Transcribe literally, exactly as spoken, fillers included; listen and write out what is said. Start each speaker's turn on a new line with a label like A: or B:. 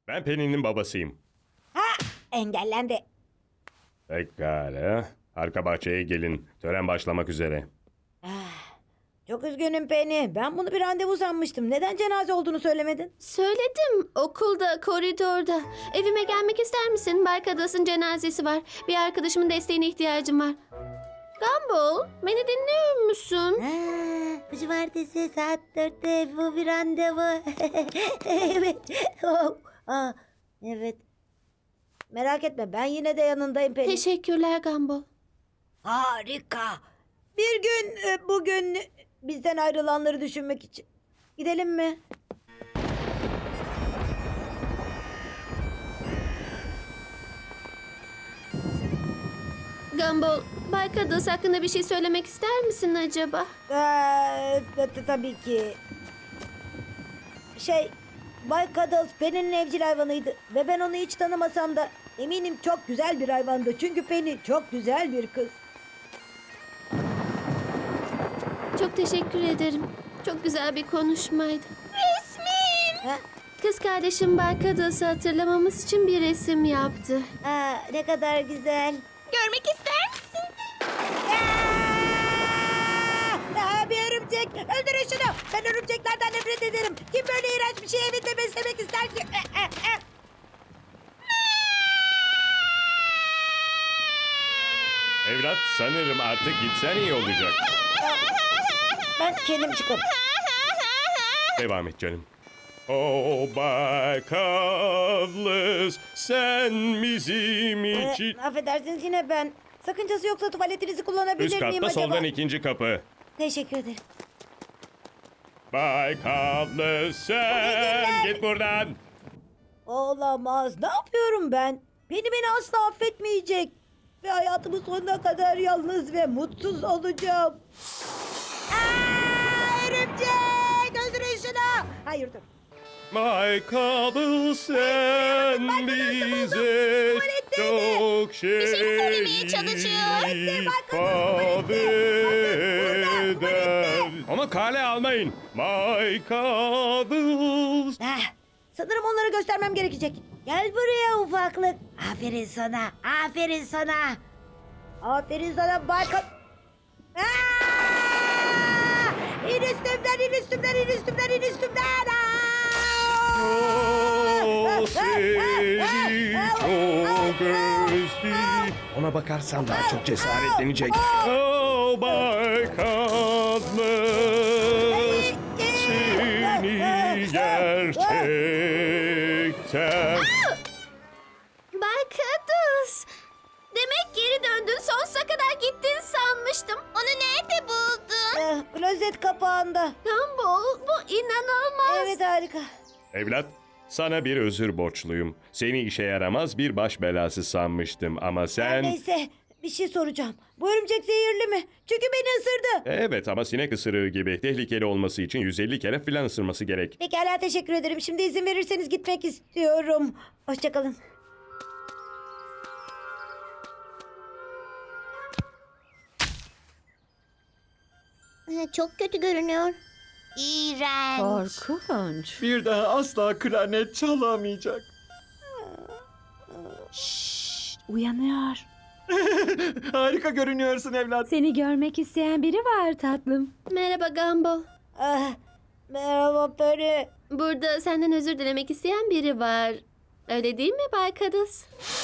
A: Ben Penny'nin babasıyım.
B: Ha, engellendi.
A: Pekala. Arka bahçeye gelin. Tören başlamak üzere.
B: Çok üzgünüm Penny. Ben bunu bir randevu sanmıştım. Neden cenaze olduğunu söylemedin?
C: Söyledim. Okulda, koridorda. Evime gelmek ister misin? Barkadas'ın cenazesi var. Bir arkadaşımın desteğine ihtiyacım var. Gumball, beni dinliyor musun?
B: Ha, cumartesi saat dörtte bu bir randevu. Evet. Oh, ah, evet. Merak etme, ben yine de yanındayım Penny.
C: Teşekkürler Gumball.
B: Harika. Bir gün e, bugün bizden ayrılanları düşünmek için. Gidelim mi?
C: Gumball, Barkadas hakkında bir şey söylemek ister misin acaba?
B: Ee, t- tabii ki. Şey, Bay Cuddles Penny'nin evcil hayvanıydı. Ve ben onu hiç tanımasam da eminim çok güzel bir hayvandı. Çünkü Penny çok güzel bir kız.
C: Çok teşekkür ederim. Çok güzel bir konuşmaydı. Resmim.
B: Ha?
C: Kız kardeşim Barkadas'ı hatırlamamız için bir resim yaptı.
B: Aa, ne kadar güzel.
C: Görmek ister misin?
B: Aa, bir örümcek. Öldürün şunu. Ben örümceklerden nefret ederim. Kim böyle iğrenç bir şey evinde beslemek ister ki?
A: Evlat, sanırım artık gitsen iyi olacak.
B: Ben kendim çıkarım.
A: Devam et canım. Oh Bay Kavlis, sen bizim
B: Ee,
A: için...
B: affedersiniz yine ben. Sakıncası yoksa tuvaletinizi kullanabilir
A: Üst
B: miyim
A: katta
B: acaba?
A: soldan ikinci kapı.
B: Teşekkür ederim.
A: Bay Kavlis, sen git buradan.
B: Olamaz. Ne yapıyorum ben? Beni beni asla affetmeyecek. Ve hayatımın sonuna kadar yalnız ve mutsuz olacağım. Aa, örümcek! Öldürün şunu! Hayır dur.
A: Bay Kavlis, sen
B: Bay Kavlis'i buldum.
A: bize
B: Tuvaletteydi.
A: çok şey
C: söylemeye çalışıyor.
B: Bekle, Bay Kavlis,
A: ifade
B: tuvalette. Burada,
A: eder. Ama kale almayın. Bay Kavlis.
B: Ah, sanırım onları göstermem gerekecek. Gel buraya ufaklık. Aferin sana. Aferin sana. Aferin sana Barkat. Aa! İn üstümden, in üstümden, in üstümden, in üstümden. Aa!
A: O seni çok özledi.
D: Ona bakarsan daha çok cesaretlenecek.
A: Oh Bay Kavlis, seni gerçekten...
C: Barkadas! Demek geri döndün. Sonsuza kadar gittin sanmıştım. Onu nerede buldun?
B: Eh, klozet kapağında.
C: Gumball, bu inanılmaz.
B: Evet harika.
A: Evlat, sana bir özür borçluyum. Seni işe yaramaz bir baş belası sanmıştım ama sen...
B: Neyse bir şey soracağım. Bu örümcek zehirli mi? Çünkü beni ısırdı.
A: Evet ama sinek ısırığı gibi tehlikeli olması için yüz elli kere filan ısırması gerek.
B: Pekala teşekkür ederim. Şimdi izin verirseniz gitmek istiyorum. Hoşçakalın.
E: Çok kötü görünüyor. İğrenç.
F: Korkunç.
D: Bir daha asla klarnet çalamayacak.
F: Uyanıyor.
D: Harika görünüyorsun evlat.
F: Seni görmek isteyen biri var tatlım.
C: Merhaba Gumball.
B: Ah, merhaba Peri.
C: Burada senden özür dilemek isteyen biri var. Öyle değil mi Barkadas?